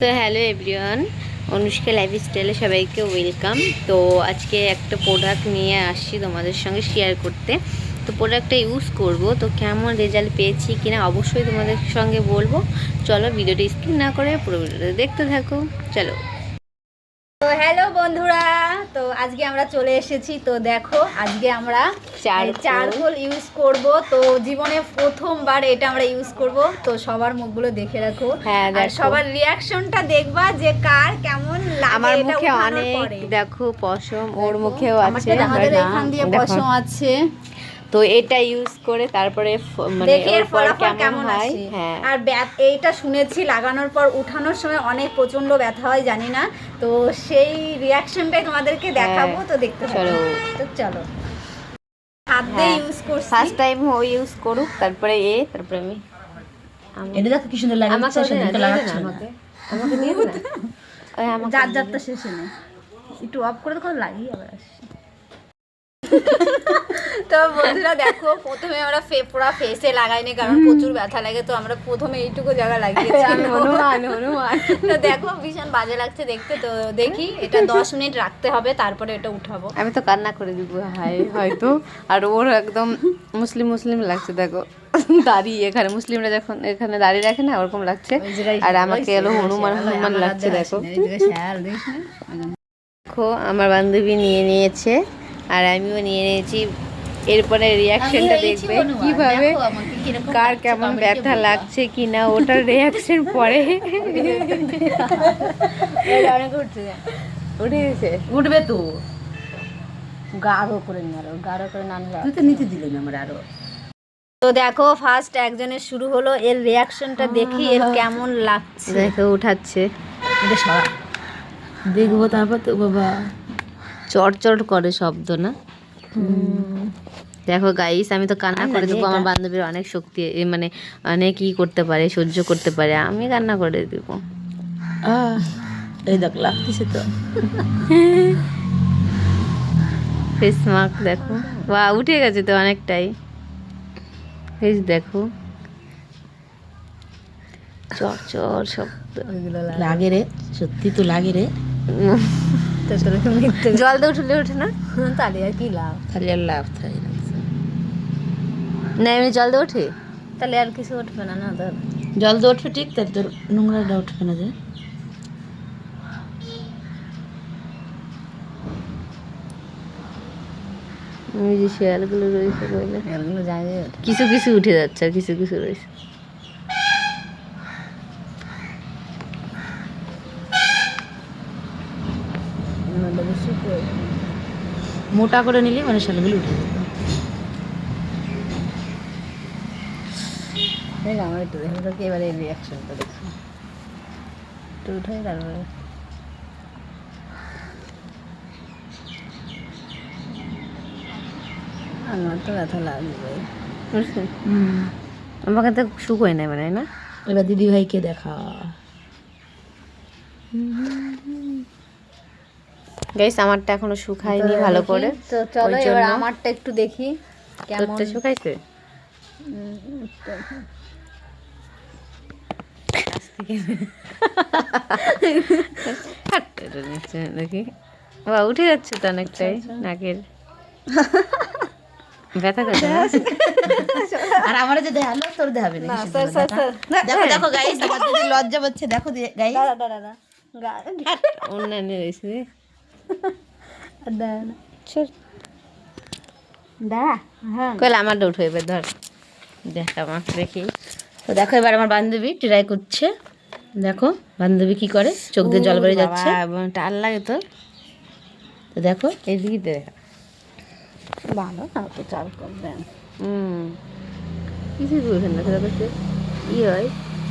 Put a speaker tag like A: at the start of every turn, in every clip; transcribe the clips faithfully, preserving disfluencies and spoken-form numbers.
A: তো hello everyone, Anushka লাইফস্টাইলে সবাইকে ওয়েলকাম। তো আজকে একটা প্রোডাক্ট নিয়ে আসছি তোমাদের সঙ্গে শেয়ার করতে। তো প্রোডাক্টটা ইউজ করব, তো কেমন রেজাল্ট পেয়েছি কিনা অবশ্যই তোমাদের সঙ্গে বলবো। চলো ভিডিওটি স্কিপ না করে পুরো ভিডিওটা দেখতে থাকো। চলো।
B: তো হ্যালো বন্ধুরা, তো আজকে আমরা চলে এসেছি। তো দেখো আজকে আমরা চারকোল ইউজ করব। তো জীবনে প্রথমবার এটা আমরা ইউজ করব। তো সবার মুখগুলো দেখে রাখো,
A: হ্যাঁ,
B: আর সবার রিয়াকশনটা দেখবা যে কার কেমন লাগে।
A: আমার মুখে অনেক দেখো পশম, ওর মুখেও আছে,
B: আমাদের এখান দিয়ে পশম আছে।
A: তো এটা ইউজ করে তারপরে মানে এরপর কেমন হয়। হ্যাঁ, আর
B: এইটা শুনেছি লাগানোর পর উঠানোর সময় অনেক প্রচন্ড ব্যথা হয়, জানি না। তো সেই রিয়াকশনটাই তোমাদেরকে দেখাবো। তো দেখতে চলো। তো চলো, হাত দিয়ে ইউজ করছি,
A: ফার্স্ট টাইম ও ইউজ করুক, তারপরে এ তারপরে আমি।
B: এটা দেখো কি সুন্দর লাগে।
A: আমাকে সেদিনকে লাগাচ্ছে আমাকে আমাকে নিয়ে না, ওই আমাকে
B: যার যারটা শেষে নেই, একটু অফ করে তো লাগিয়ে আবার আসি। তো বন্ধুরা দেখো, প্রথমে আমরা পুরো ফেসে লাগাইনি, কারণ প্রচুর ব্যথা লাগে। তো আমরা প্রথমে এইটুকু জায়গা লাগিয়েছি।
A: হনুমান হনুমান
B: তো দেখো ভীষণ বাজে লাগছে দেখতে। তো দেখি এটা দশ মিনিট রাখতে হবে, তারপরে এটা উঠাবো।
A: আমি তো কান্না করে দিব হাই হয়তো। আর ওর একদম মুসলিম মুসলিম লাগছে, দেখো দাড়ি এখানে মুসলিমরা যখন এখানে দাড়ি রাখে না, ওরকম লাগছে। আর আমাকে এলো হনুমান হনুমান লাগছে। দেখো দেখো আমার বান্ধবী নিয়ে নিয়েছে আর আমিও নিয়ে নিয়েছি। এরপরে রিয়াকশনটা দেখবে কিভাবে, কার কেমন ব্যথা লাগছে কিনা, ওটার রিয়াকশন পরে উঠে গেছে।
B: উঠবে তো, গাঢ় করে নিয়ে আরো গাঢ় করে না নিলে তুই তো নিচে দিলে না আমার আরো। তো দেখো ফার্স্ট একজনের শুরু হলো, এর রিয়াকশনটা দেখি এর কেমন লাগছে।
A: দেখো উঠাচ্ছে,
B: এটা সরা দেখবো তারপর। তো বাবা
A: চটচট করে শব্দ না। দেখো গাইস, আমি তো কান্না করে দেবো। আমার বান্ধবীর অনেক শক্তি, মানে অনেক ই করতে পারে, সহ্য করতে পারে। আমি কান্না করে দেব।
B: এই দেখ লাগতেছে তো।
A: ফেস মার্ক দেখো, বা উঠে গেছে তো অনেকটাই। ফেস দেখো, চটচট শব্দ
B: লাগে রে, সত্যি তো লাগে রে।
A: জল দিয়ে উঠলে ওঠে না,
B: তাহলে আর কি লাভ? তাহলে আর লাভ থাকে না,
A: না এমনি জল দিয়ে ওঠে,
B: তাহলে আর কিছু উঠবে না। না ধর জল দিয়ে উঠবে ঠিক, তার তোর নোংরাটা উঠবে না। যে
A: ওই যে শেয়ালগুলো রয়েছে,
B: শেয়ালগুলো যায়,
A: কিছু কিছু উঠে যাচ্ছে আর কিছু কিছু রয়েছে।
B: মোটা করে নিলে মানে শালগুলো উঠে যেত। দেখ আমার একটু দেখো তো, এবারে রিয়াকশনটা দেখো। একটু উঠে তারপরে আমার তো ব্যথা লাগবে।
A: হুম, আমাকে তো শুকোয় না মানে না।
B: এবার দিদি ভাইকে দেখা।
A: গাইস আমারটা এখনো শুকায়নি ভালো করে।
B: তো চলো এবার আমারটা একটু দেখি কেমন
A: শুকাইছে। দেখি বা উঠে যাচ্ছে তো অনেকটাই নাকের ব্যথা করছে।
B: আর আমার যে দেখালো তোর দেখাবে না। দেখো দেখো গাইস, আমার দিদি লজ্জা পাচ্ছে। দেখো গাইস, দাঁড়া দাঁড়া দাঁড়া
A: অন্যান্য রয়েছে।
B: দাঁড়া, হ্যাঁ
A: কইলে আমারটা উঠে এবার ধর, দেখ আমার দেখি।
B: তো দেখো এবার আমার বান্ধবী ট্রাই করছে। দেখো বান্ধবী কি করে, চোখ দিয়ে জল বেরিয়ে যাচ্ছে।
A: টাল লাগে তো।
B: তো দেখো
A: এদিকে দেখা
B: ভালো না তো, চাল করবেন।
A: হুম, কিছু বুঝেন না, সেটা ই হয়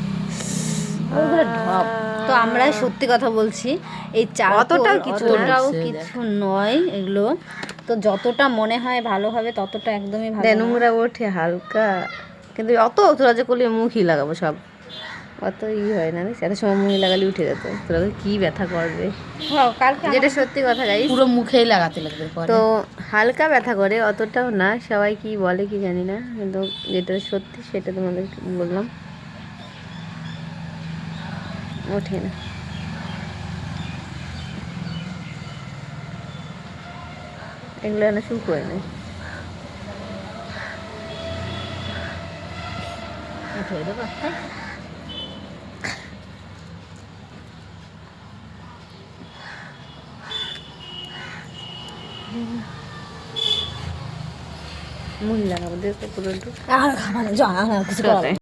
B: ঢপ। তো আমরা সত্যি কথা বলছি, এই চাল
A: অতটাও কিছু
B: অতটাও কিছু নয় এগুলো। তো যতটা মনে হয় ভালো হবে ততটা একদমই ভালো।
A: নোংরা ওঠে হালকা, কিন্তু অত তোরা যে করলে মুখই লাগাবো সব, অত ই হয় না। এত সময় মুখে লাগালে উঠে যেত। তোরা কি ব্যথা করবে, যেটা সত্যি কথা গাইস,
B: পুরো মুখেই লাগাতে লাগবে।
A: তো হালকা ব্যথা করে, অতটাও না। সবাই কি বলে কি জানি না, কিন্তু যেটা সত্যি সেটা তোমাদের বললাম। ওঠে না। এগুলো এনে শুরু করে নেই।
B: ধুয়ে দেবো হ্যাঁ
A: মূল লাগাবো দেখো পুরো
B: আর মানে কিছু করা